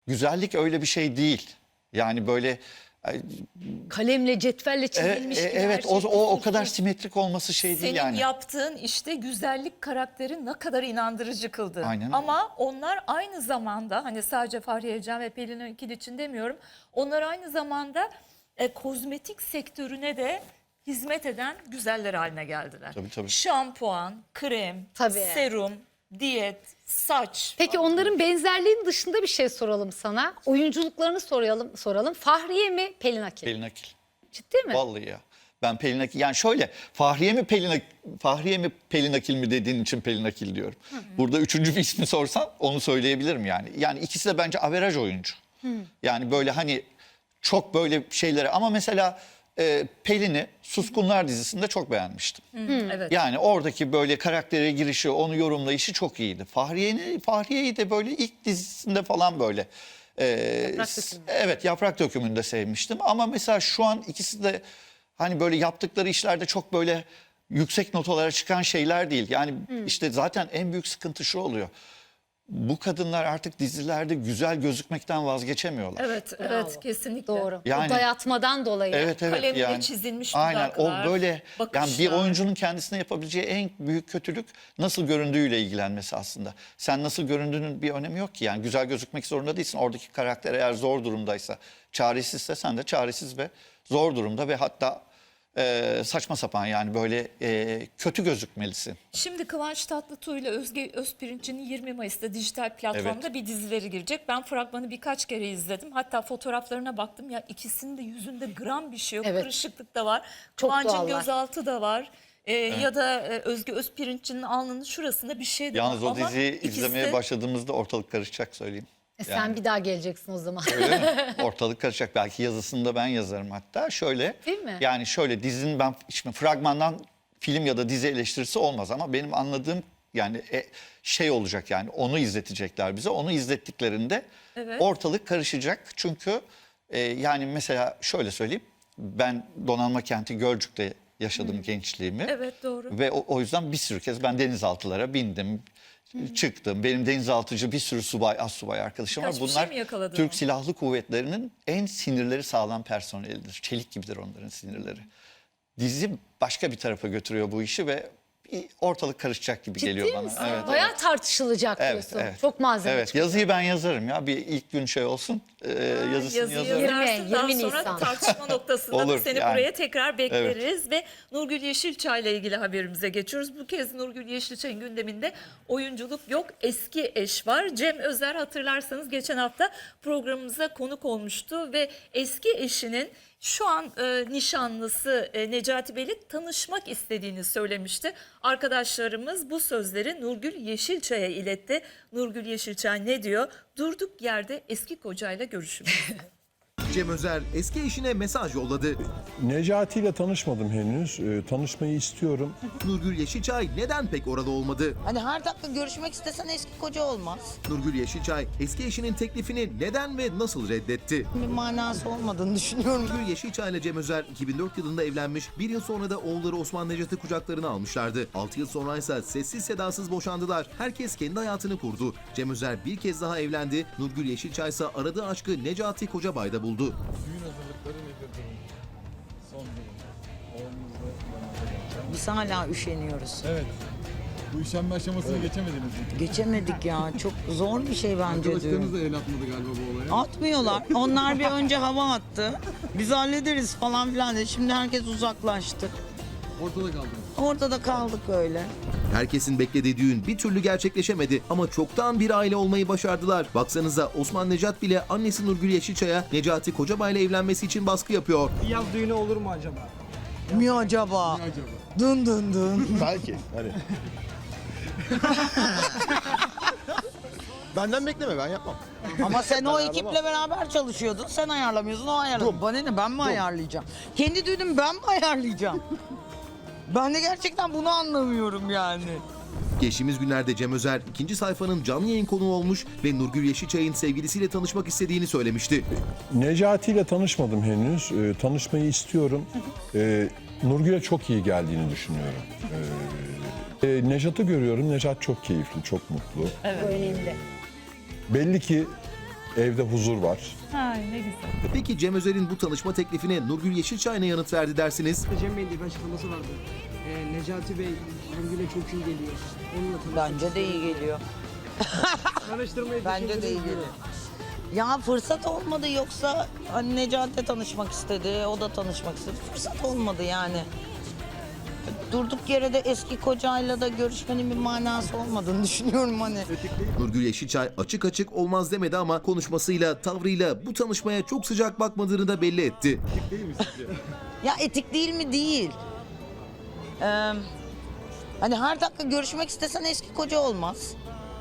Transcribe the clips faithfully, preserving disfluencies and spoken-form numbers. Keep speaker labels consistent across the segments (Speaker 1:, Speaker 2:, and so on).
Speaker 1: güzellik öyle bir şey değil. Yani böyle
Speaker 2: Kalemle, cetvelle
Speaker 1: e,
Speaker 2: çizilmiş
Speaker 1: e,
Speaker 2: gibi her
Speaker 1: evet
Speaker 2: şey
Speaker 1: o, o o
Speaker 2: kusursuz.
Speaker 1: kadar simetrik olması şey değil
Speaker 3: Senin
Speaker 1: yani.
Speaker 3: yaptığın işte güzellik karakteri ne kadar inandırıcı kıldı.
Speaker 1: Aynen öyle.
Speaker 3: Ama onlar aynı zamanda hani sadece Fahriye Evcen ve Pelin Akil için demiyorum. Onlar aynı zamanda e, kozmetik sektörüne de hizmet eden güzeller haline geldiler.
Speaker 1: Tabii, tabii.
Speaker 3: Şampuan, krem,
Speaker 2: Tabii.
Speaker 3: serum, diyet, saç.
Speaker 2: Peki onların benzerliğinin dışında bir şey soralım sana. Oyunculuklarını soralım. soralım. Fahriye mi, Pelin Akil?
Speaker 1: Pelin Akil.
Speaker 2: Ciddi mi?
Speaker 1: Vallahi ya. Ben Pelin Akil, yani şöyle Fahriye mi Pelin Ak- Fahriye mi Pelin Akil mi dediğin için Pelin Akil diyorum. Hı hı. Burada üçüncü bir ismi sorsan onu söyleyebilirim yani. Yani ikisi de bence averaj oyuncu. Hı. Yani böyle hani çok böyle şeylere ama mesela e, Pelin'i Suskunlar dizisinde çok beğenmiştim.
Speaker 3: Hı, evet.
Speaker 1: Yani oradaki böyle karaktere girişi, onu yorumlayışı çok iyiydi. Fahriye'ni Fahriye'yi de böyle ilk dizisinde falan böyle e,
Speaker 2: Yaprak
Speaker 1: s-
Speaker 2: Dökümü.
Speaker 1: evet Yaprak Dökümü'nde sevmiştim. Ama mesela şu an ikisi de hani böyle yaptıkları işlerde çok böyle yüksek notalara çıkan şeyler değil. Yani işte zaten en büyük sıkıntı şu oluyor. Bu kadınlar artık dizilerde güzel gözükmekten vazgeçemiyorlar.
Speaker 3: Evet,
Speaker 2: Bravo.
Speaker 3: evet kesinlikle.
Speaker 2: Doğru.
Speaker 1: Yani-
Speaker 2: O dayatmadan dolayı.
Speaker 1: Evet evet
Speaker 3: Kalemle
Speaker 1: yani.
Speaker 3: çizilmiş
Speaker 1: Aynen
Speaker 3: dudaklar,
Speaker 1: o böyle yani
Speaker 3: bakışlar.
Speaker 1: bir oyuncunun kendisine yapabileceği en büyük kötülük nasıl göründüğüyle ilgilenmesi aslında. Sen nasıl göründüğünün bir önemi yok ki yani güzel gözükmek zorunda değilsin. Oradaki karakter eğer zor durumdaysa, çaresizse sen de çaresiz ve zor durumda ve hatta e, saçma sapan yani böyle e, kötü gözükmelisin.
Speaker 3: Şimdi Kıvanç Tatlıtuğ ile Özge Özpirinç'in yirmi Mayıs'ta dijital platformda
Speaker 1: Evet.
Speaker 3: bir dizileri girecek. Ben fragmanı birkaç kere izledim. Hatta fotoğraflarına baktım. Ya ikisinin de yüzünde gram bir şey yok.
Speaker 2: Evet.
Speaker 3: Kırışıklık da var.
Speaker 2: Çok
Speaker 3: Kıvanç'ın
Speaker 2: doğallar.
Speaker 3: gözaltı da var. Ee, Ya da e, Özge Özpirinç'in alnının şurasında bir şey de
Speaker 1: Yalnız
Speaker 3: var.
Speaker 1: o
Speaker 3: Ama
Speaker 1: diziyi
Speaker 3: ikisi
Speaker 1: izlemeye
Speaker 3: de-
Speaker 1: başladığımızda ortalık karışacak söyleyeyim.
Speaker 2: E sen
Speaker 1: Yani.
Speaker 2: bir daha geleceksin o zaman.
Speaker 1: Öyle mi? Ortalık karışacak. Belki yazısını da ben yazarım hatta. Şöyle.
Speaker 2: Değil mi?
Speaker 1: Yani şöyle dizinin ben şimdi fragmandan film ya da dizi eleştirisi olmaz ama benim anladığım yani e, şey olacak yani onu izletecekler bize. Onu izlettiklerinde
Speaker 3: Evet.
Speaker 1: ortalık karışacak. Çünkü e, yani mesela şöyle söyleyeyim. Ben Donanma Kenti Gölcük'te yaşadım gençliğimi.
Speaker 3: Evet doğru.
Speaker 1: Ve o, o yüzden bir sürü kez ben denizaltılara bindim. Çıktım. Benim denizaltıcı bir sürü subay, assubay arkadaşım var.
Speaker 3: Birkaç bir
Speaker 1: Bunlar
Speaker 3: şey mi yakaladın
Speaker 1: Türk
Speaker 3: o?
Speaker 1: Silahlı Kuvvetleri'nin en sinirleri sağlam personelidir. Çelik gibidir onların sinirleri. Dizi başka bir tarafa götürüyor bu işi ve bir ortalık karışacak gibi
Speaker 2: Ciddi
Speaker 1: geliyor bana.
Speaker 2: misin?
Speaker 1: Evet,
Speaker 2: Bayağı
Speaker 1: evet.
Speaker 2: tartışılacak
Speaker 1: Evet,
Speaker 2: diyorsun.
Speaker 1: evet.
Speaker 2: Çok malzeme
Speaker 1: Evet,
Speaker 2: çıkıyor.
Speaker 1: yazıyı ben yazarım ya. Bir ilk gün şey olsun. E, yazısını
Speaker 3: Yazıyı
Speaker 1: yazarım.
Speaker 3: yazarsın,
Speaker 2: yirmi,
Speaker 3: daha
Speaker 2: yirmi
Speaker 3: sonra
Speaker 2: Nisan.
Speaker 3: tartışma noktasında da
Speaker 1: Olur,
Speaker 3: seni
Speaker 1: yani.
Speaker 3: buraya tekrar bekleriz. Ve Nurgül Yeşilçay ile ilgili haberimize geçiyoruz. Bu kez Nurgül Yeşilçay'ın gündeminde oyunculuk yok, eski eş var. Cem Özer hatırlarsanız geçen hafta programımıza konuk olmuştu ve eski eşinin şu an e, nişanlısı e, Necati Bey'le tanışmak istediğini söylemişti. Arkadaşlarımız bu sözleri Nurgül Yeşilçay'a iletti. Nurgül Yeşilçay ne diyor? Durduk yerde eski kocayla görüşümüz.
Speaker 4: Cem Özer eski eşine mesaj yolladı.
Speaker 5: Necati ile tanışmadım henüz. Ee, tanışmayı istiyorum.
Speaker 4: Nurgül Yeşilçay neden pek orada olmadı?
Speaker 6: Hani her dakika görüşmek istesen eski koca olmaz.
Speaker 4: Nurgül Yeşilçay eski eşinin teklifini neden ve nasıl reddetti?
Speaker 6: Bir manası olmadığını düşünüyorum.
Speaker 4: Nurgül Yeşilçay ile Cem Özer iki bin dört yılında evlenmiş, bir yıl sonra da oğulları Osman Necat'ı kucaklarına almışlardı. altı yıl sonra ise sessiz sedasız boşandılar. Herkes kendi hayatını kurdu. Cem Özer bir kez daha evlendi. Nurgül Yeşilçay ise aradığı aşkı Necati Kocabay'da buldu.
Speaker 7: Düğün hazırlıkları nedir durum? Son durum. Oğlunuzla
Speaker 6: Biz hala üşeniyoruz.
Speaker 7: Evet. Bu üşenme aşamasını geçemediniz mi?
Speaker 6: Geçemedik ya. Çok zor bir şey bence
Speaker 7: Arkadaşlarınız
Speaker 6: diyorum.
Speaker 7: da el atmadı galiba bu olaya.
Speaker 6: Atmıyorlar. Onlar bir önce hava attı. Biz hallederiz falan filan dedi. Şimdi herkes uzaklaştı.
Speaker 7: Ortada kaldınız.
Speaker 6: Ortada kaldık öyle.
Speaker 4: Herkesin beklediği düğün bir türlü gerçekleşemedi ama çoktan bir aile olmayı başardılar. Baksanıza Osman Necat bile annesi Nurgül Yeşilçay'a Necati Kocabay'la evlenmesi için baskı yapıyor.
Speaker 8: Yaz düğünü olur mu acaba?
Speaker 6: Mi acaba?
Speaker 7: Ne acaba?
Speaker 6: Dın dın dın.
Speaker 9: Belki. Hani. Benden bekleme, ben yapmam.
Speaker 6: Ama sen o ekiple beraber çalışıyordun. Sen ayarlamıyorsun, o ayarladı. Bana ne, ben mi ayarlayacağım? Kendi düğünümü ben mi ayarlayacağım? Ben de gerçekten bunu anlamıyorum yani.
Speaker 4: Geçtiğimiz günlerde Cem Özer ikinci sayfanın canlı yayın konuğu olmuş ve Nurgül Yeşilçay'ın sevgilisiyle tanışmak istediğini söylemişti.
Speaker 5: Necati ile tanışmadım henüz. Ee, tanışmayı istiyorum. Ee, Nurgül'e çok iyi geldiğini düşünüyorum. Ee, e, Nejat'ı görüyorum. Nejat çok keyifli, çok mutlu.
Speaker 2: Bu önemli.
Speaker 5: Belli ki Evde huzur var.
Speaker 3: Ha, ne güzel.
Speaker 4: Peki Cem Özer'in bu tanışma teklifine Nurgül Yeşilçay ne yanıt verdi dersiniz?
Speaker 8: Cem Bey'in de bir açıklaması vardı. Ee, Necati Bey Nurgül'e çok iyi geliyor. Onunla tanışmak
Speaker 6: Bence de iyi geliyor.
Speaker 8: Araştırmayı
Speaker 6: Bence de iyi
Speaker 8: düşündünüz mü?
Speaker 6: geliyor. Ya fırsat olmadı, yoksa hani Necati tanışmak istedi, o da tanışmak istedi. Fırsat olmadı yani. Durduk yere de eski kocayla da görüşmenin bir manası olmadığını düşünüyorum hani.
Speaker 4: Nurgül Yeşilçay açık açık olmaz demedi ama konuşmasıyla, tavrıyla bu tanışmaya çok sıcak bakmadığını da belli etti.
Speaker 6: Ya etik değil mi? Değil. Ee, hani her dakika görüşmek istesen eski koca olmaz.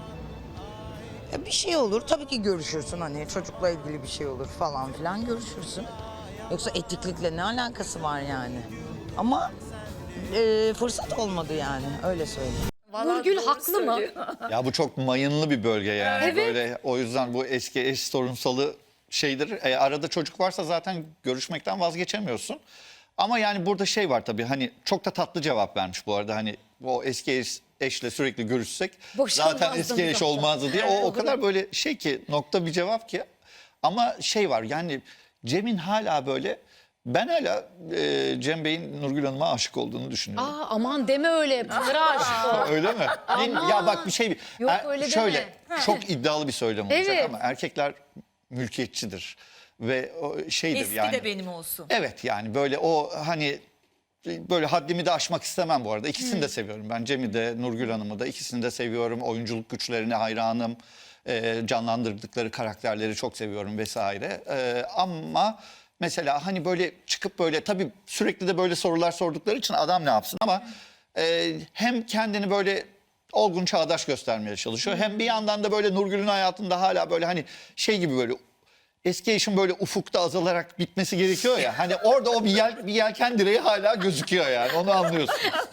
Speaker 6: E, bir şey olur, tabii ki görüşürsün, hani çocukla ilgili bir şey olur falan filan görüşürsün. Yoksa etiklikle ne alakası var yani? Ama e, fırsat olmadı yani, öyle söyleyeyim.
Speaker 3: Vallahi
Speaker 2: Nurgül
Speaker 3: doğru
Speaker 2: haklı mı?
Speaker 3: söylüyor.
Speaker 1: Ya bu çok mayınlı bir bölge yani.
Speaker 2: Evet.
Speaker 1: Böyle o yüzden bu eski eş sorunsalı şeydir. E, arada çocuk varsa zaten görüşmekten vazgeçemiyorsun. Ama yani burada şey var tabii, hani çok da tatlı cevap vermiş bu arada. Hani o eski eş, eşle sürekli görüşsek
Speaker 2: Boşanmazdım
Speaker 1: zaten eski eş
Speaker 2: zaten.
Speaker 1: olmazdı diye. O o kadar böyle şey ki, nokta bir cevap ki. Ama şey var yani, Cem'in hala böyle, ben hala e, Cem Bey'in Nurgül Hanım'a aşık olduğunu düşünüyorum.
Speaker 2: Aa, aman deme öyle. Pınar'a aşık ol.
Speaker 1: Öyle mi? Değil- Ya bak bir şey.
Speaker 2: Yok,
Speaker 1: Er-
Speaker 2: öyle deme.
Speaker 1: şöyle çok iddialı bir söylem olacak
Speaker 2: Evet.
Speaker 1: ama erkekler mülkiyetçidir ve o şeydir
Speaker 3: Eski
Speaker 1: yani.
Speaker 3: de benim olsun.
Speaker 1: Evet yani böyle o hani böyle haddimi de aşmak istemem bu arada. İkisini de seviyorum. Ben Cem'i de Nurgül Hanım'ı da, ikisini de seviyorum. Oyunculuk güçlerine hayranım. Ee, canlandırdıkları karakterleri çok seviyorum vesaire. Ee, ama mesela hani böyle çıkıp böyle, tabii sürekli de böyle sorular sordukları için adam ne yapsın ama e, hem kendini böyle olgun çağdaş göstermeye çalışıyor. Hem bir yandan da böyle Nurgül'ün hayatında hala böyle hani şey gibi, böyle eski eşin böyle ufukta azalarak bitmesi gerekiyor ya. Hani orada o bir, yel, bir yelken direği hala gözüküyor yani. Onu anlıyorsun.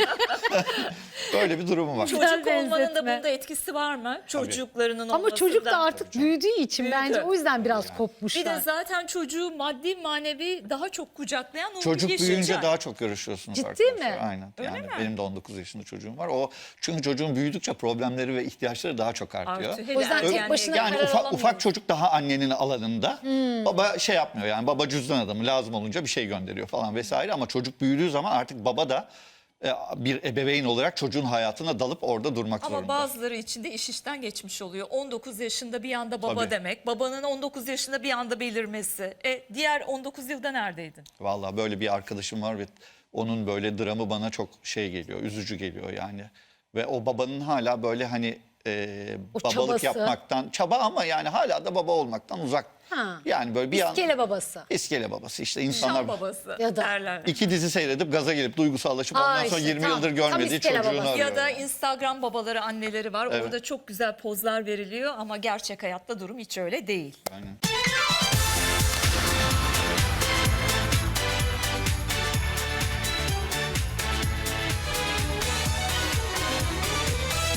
Speaker 1: Böyle bir durumu var.
Speaker 3: Çocuk
Speaker 2: Güzel
Speaker 3: olmanın da
Speaker 2: benzetme.
Speaker 3: bunda etkisi var mı? Çocuklarının
Speaker 2: Ama
Speaker 3: olmasında.
Speaker 2: çocuk da artık büyüdüğü için
Speaker 3: Büyüdü.
Speaker 2: bence o yüzden biraz kopmuşlar.
Speaker 3: Bir de zaten çocuğu maddi manevi daha çok kucaklayan Nurgül
Speaker 1: Çocuk
Speaker 3: Yeşilçay.
Speaker 1: büyüyünce daha çok görüşüyorsunuz
Speaker 2: Ciddi
Speaker 1: arkadaşlar.
Speaker 2: mi?
Speaker 1: Aynen.
Speaker 3: Öyle
Speaker 1: yani
Speaker 3: mi?
Speaker 1: benim de on dokuz yaşında çocuğum var. O çünkü çocuğun büyüdükçe problemleri ve ihtiyaçları daha çok artıyor.
Speaker 3: Artıyor.
Speaker 2: O yüzden
Speaker 3: Hele
Speaker 2: tek
Speaker 3: ergenliğe
Speaker 2: başına
Speaker 1: Yani
Speaker 2: karar
Speaker 1: ufak
Speaker 2: alamıyor.
Speaker 1: ufak çocuk daha annenin alanında. Baba şey yapmıyor yani, baba cüzdan adamı, lazım olunca bir şey gönderiyor falan vesaire, ama çocuk büyüdüğü zaman artık baba da e, bir ebeveyn olarak çocuğun hayatına dalıp orada durmak
Speaker 3: Ama
Speaker 1: zorunda.
Speaker 3: bazıları için de iş işten geçmiş oluyor. on dokuz yaşında bir anda baba
Speaker 1: Tabii.
Speaker 3: demek. Babanın on dokuz yaşında bir anda belirmesi. E, diğer on dokuz yılda neredeydin?
Speaker 1: Vallahi böyle bir arkadaşım var ve onun böyle dramı bana çok şey geliyor, üzücü geliyor yani. Ve o babanın hala böyle hani e,
Speaker 2: O
Speaker 1: babalık
Speaker 2: çabası.
Speaker 1: yapmaktan, çaba ama yani hala da baba olmaktan uzak.
Speaker 2: Ha.
Speaker 1: Yani böyle bir an
Speaker 2: İskele babası.
Speaker 1: iskele babası işte,
Speaker 3: Şam
Speaker 1: insanlar
Speaker 3: babası
Speaker 2: Ya da-
Speaker 3: derler.
Speaker 1: iki dizi seyredip gaza gelip duygusallaşıp ondan
Speaker 2: Aa,
Speaker 1: sonra
Speaker 2: işte
Speaker 1: yirmi
Speaker 2: tam-
Speaker 1: yıldır
Speaker 2: tam
Speaker 1: görmediği
Speaker 2: iskele
Speaker 1: çocuğunu
Speaker 2: babası.
Speaker 1: arıyor.
Speaker 3: Ya da
Speaker 1: yani.
Speaker 3: Instagram babaları, anneleri var.
Speaker 1: Evet.
Speaker 3: Orada çok güzel pozlar veriliyor ama gerçek hayatta durum hiç öyle değil.
Speaker 1: Aynen.